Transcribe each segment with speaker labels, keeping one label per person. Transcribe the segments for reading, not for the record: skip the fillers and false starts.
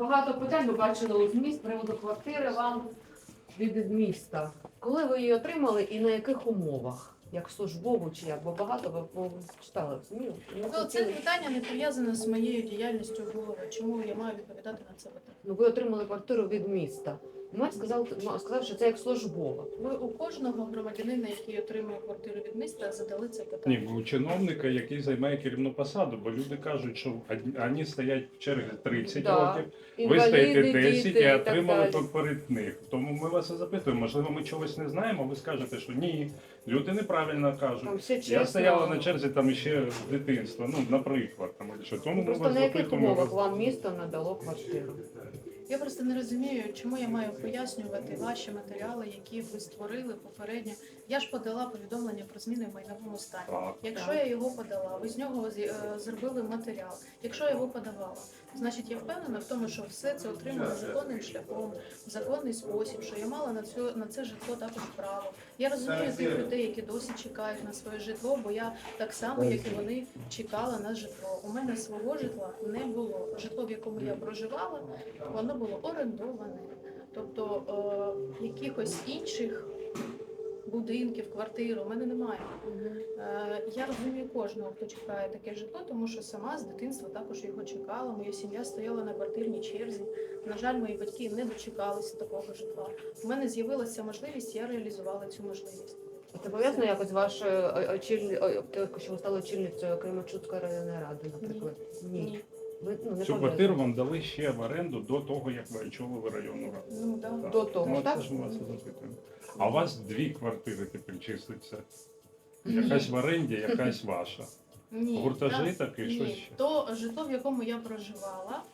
Speaker 1: Багато питань ви бачили у ЗМІ з приводу квартири вам від міста. Коли ви її отримали і на яких умовах? Як службову чи як? Бо багато ви читали в ЗМІ.
Speaker 2: Ну, це питання не пов'язане з моєю діяльністю голови. Чому я маю відповідати на це питання?
Speaker 1: Ну, ви отримали квартиру від міста. Ми сказав, що це як службова.
Speaker 2: Ви у кожного громадянина, який отримує квартиру від міста, задали це питання.
Speaker 3: Ні, у чиновника, який займає керівну посаду, бо люди кажуть, що вони стоять в черзі 30
Speaker 1: Да.
Speaker 3: років, ви
Speaker 1: Інваліди,
Speaker 3: стоїте 10
Speaker 1: діти
Speaker 3: і
Speaker 1: так
Speaker 3: отримали
Speaker 1: далі.
Speaker 3: перед них. Тому ми вас і запитуємо, можливо, ми чогось не знаємо, ви скажете, що ні, люди неправильно
Speaker 1: Там
Speaker 3: кажуть.
Speaker 1: все
Speaker 3: Я
Speaker 1: чесно.
Speaker 3: стояла на черзі там ще з дитинства, ну, наприклад. Там, що. Тому ми
Speaker 1: Просто
Speaker 3: вас
Speaker 1: на яких
Speaker 3: запитуємо.
Speaker 1: умовах вам місто надало квартиру?
Speaker 2: Я просто не розумію, чому я маю пояснювати ваші матеріали, які ви створили попередньо. Я ж подала повідомлення про зміни в майновому стані.
Speaker 3: Так.
Speaker 2: Якщо
Speaker 1: Так.
Speaker 2: я його подала, ви з нього зробили матеріал. Якщо я його подавала, значить я впевнена в тому, що все це отримано законним шляхом, в законний спосіб, що я мала на це житло також право. Я розумію тих людей, які досі чекають на своє житло, бо я так само, як і вони, чекала на житло. У мене свого житла не було. Житло, в якому я проживала, воно було орендоване. Тобто якихось інших будинків, квартир у мене немає. Я розумію кожного, хто чекає таке житло, тому що сама з дитинства також його чекала. Моя сім'я стояла на квартирній черзі. На жаль, мої батьки не дочекалися такого житла. У мене з'явилася можливість, я реалізувала цю можливість.
Speaker 1: Це пов'язано якось з вашою що ви стали очільницею Кременчуцької районної ради, наприклад?
Speaker 2: Ні.
Speaker 1: Ви, не
Speaker 3: Цю
Speaker 1: пов'язано.
Speaker 3: квартиру вам дали ще в оренду до того, як ви очолили районну раду.
Speaker 2: Ну, да.
Speaker 3: Так.
Speaker 1: До того,
Speaker 3: Ну,
Speaker 1: так?
Speaker 3: це ж ми вас і запитуємо. А у вас 2 квартири тепер числиться. Якась в оренді, якась ваша.
Speaker 2: Ні,
Speaker 3: Гуртожиток і
Speaker 2: ні.
Speaker 3: щось ще?
Speaker 2: То житло, в якому я проживала,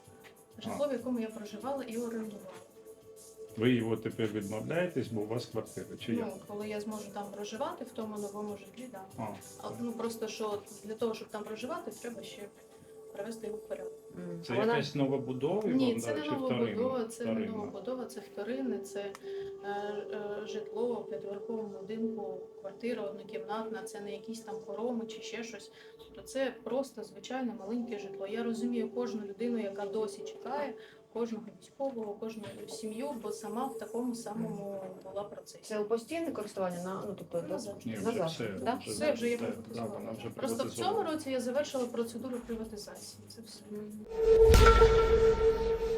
Speaker 2: і орендувала.
Speaker 3: Ви його тепер відмовляєтесь, бо у вас квартира, чи як?
Speaker 2: Ну, коли я зможу там проживати, в тому новому житлі, так.
Speaker 3: А,
Speaker 2: Да. Ну просто що для того, щоб там проживати, треба ще привести його в порядок.
Speaker 3: це
Speaker 1: Вона-
Speaker 3: якась новобудова?
Speaker 2: Ні,
Speaker 3: вам
Speaker 2: це
Speaker 3: дали,
Speaker 2: не
Speaker 3: чи
Speaker 2: новобудова, це не
Speaker 3: вторинна?
Speaker 2: новобудова, це вторинне, це житло в 5-поверховому будинку, квартира однокімнатна, це не якісь там хороми чи ще щось. Тобто це просто звичайне маленьке житло. Я розумію кожну людину, яка досі чекає, кожного військового, кожну сім'ю, бо сама в такому самому була процесі.
Speaker 1: Це у постійне користування тобто
Speaker 2: Назад.
Speaker 3: Ні, вже
Speaker 1: назад,
Speaker 3: все.
Speaker 1: так?
Speaker 2: Все вже є
Speaker 3: да,
Speaker 2: приватизовано.
Speaker 3: вона вже
Speaker 2: Просто в цьому
Speaker 3: приватизована.
Speaker 2: році я завершила процедуру приватизації. Це все.